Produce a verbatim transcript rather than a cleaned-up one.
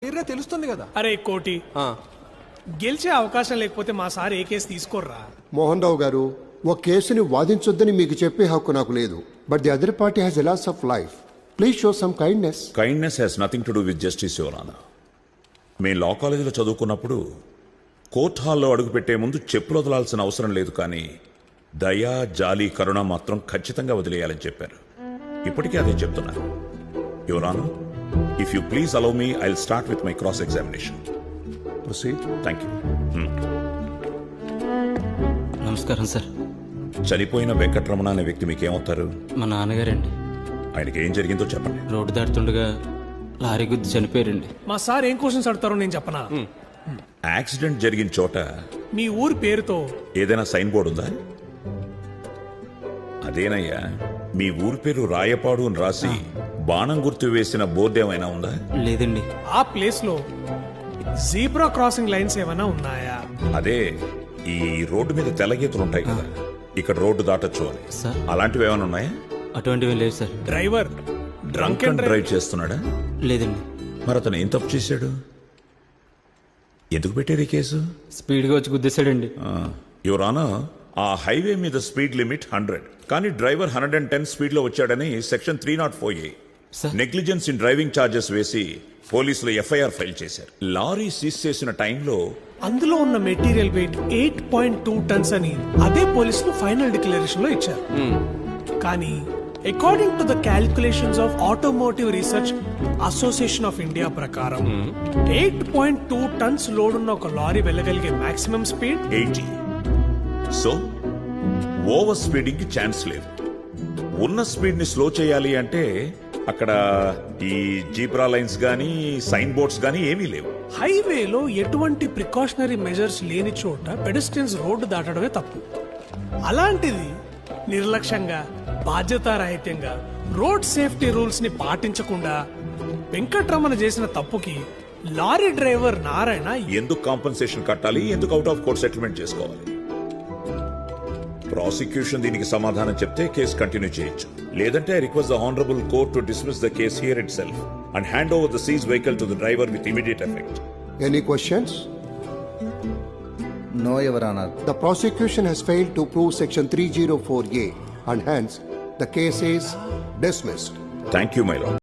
మీరే తెలుస్తుంది కదా. అరే కోటి, గెలిచే అవకాశం లేకపోతే మా సార్ ఏ కేసు తీసుకోర్రా. మోహన్ రావు గారు, ఒక కేసుని వాదించొద్దని మీకు చెప్పే హక్కు నాకు లేదు. But the other party has a loss of life. Please show some kindness. Kindness has nothing to do with justice your honour. మేము లా కాలేజీలో చదువుకున్నప్పుడు కోర్ట్ హాల్లో అడుగుపెట్టే ముందు చెప్పులు వదలాల్సిన అవసరం లేదు, కానీ దయా, జాలి, కరుణ మాత్రం ఖచ్చితంగా వదిలేయాలని చెప్పారు. ఇప్పటికీ అదే చెప్తున్నారు. Your honour, if you please allow me, I will start with my cross examination. Proceed. Thank you. నమస్కారం సార్. చనిపోయిన వెంకటరమణ అనే వ్యక్తి మీకేమవుతారు? మా నాన్నగారండి. ఆయనకి ఏం జరిగిందో చెప్పండి. రోడ్డు దాటుతుండగా లారీ గుద్ది చనిపోయారండి. మా సార్ ఏం క్వశ్చన్స్ అడుగుతారో నేను చెప్పనా? యాక్సిడెంట్ జరిగిన చోట మీ ఊరి పేరుతో ఏదైనా సైన్ బోర్డు ఉందా? అదేనయ్యా, మీ ఊరి పేరు రాయపాడు అని రాసి బాణం గుర్తు వేసిన బోర్డు ఏమైనా ఉందా? లేదండి. ఆ ప్లేస్ లో జీబ్రా క్రాసింగ్ లైన్స్ ఏమైనా ఉన్నాయా? అదే, ఈ రోడ్డు మీద తెల్లగీతలు ఉంటాయి కదా, ఇక్కడ రోడ్డు దాటొచ్చు అని. సార్, అలాంటివి ఏమైనా ఉన్నాయా? అటువంటివి లేవు sir. Driver drunk and drive చేస్తున్నాడా? లేదండి. మరి అతను ఏం తప్పు చేశాడు? ఎందుకు పెట్టారు ఈ కేసు? స్పీడ్గా వచ్చి గుద్దేశాడండి. యువర్ ఆనర్, ఆ హైవే మీద స్పీడ్ లిమిట్ హండ్రెడ్, కానీ driver hundred and ten speed లో వచ్చాడని section three nought four A sir, negligence in driving charges వేసి పోలీసులు ఎఫ్ఐఆర్ ఫైల్ చేశారు. లారీ సీజ్ చేసిన టైంలో అందులో ఉన్న material weight eight point two tons అని అదే పోలీసులు ఫైనల్ డిక్లరేషన్ లో ఇచ్చారు. కానీ according to the calculations of automotive research association of India ప్రకారం eight point two turns load ఉన్న ఒక లారీ వెళ్ళగలిగే maximum speed eighty. So over speeding కి ఛాన్స్ లేదు. ఉన్న స్పీడ్ ని స్లో చేయాలి అంటే అక్కడ ఈ జీబ్రా లైన్స్ గానీ సైన్ బోర్డ్స్ గానీ ఏమీ లేవు. హైవేలో ఎటువంటి ప్రికాషనరీ మెజర్స్ లేని చోట పెడెస్ట్రియన్స్ రోడ్డు దాటడమే తప్పు. అలాంటిది నిర్లక్ష్యంగా, బాధ్యతారాహిత్యంగా రోడ్ సేఫ్టీ రూల్స్ ని పాటించకుండా వెంకట్రమణ చేసిన తప్పుకి లారీ డ్రైవర్ నారాయణ ఎందుకు కాంపన్సేషన్ కట్టాలి, ఎందుకు అవుట్ ఆఫ్ కోర్ట్ సెటిల్మెంట్ చేసుకోవాలి? ప్రాసిక్యూషన్ దీనికి సమాధానం చెప్తే కేసు కంటిన్యూ చేయొచ్చు, లేదంటే I request the honourable court to dismiss the case here itself and hand over the seize vehicle to the driver with immediate effect. Any questions? No, Your Honor. The prosecution has failed to prove section three oh four A and hence the case is dismissed. Thank you, my lord.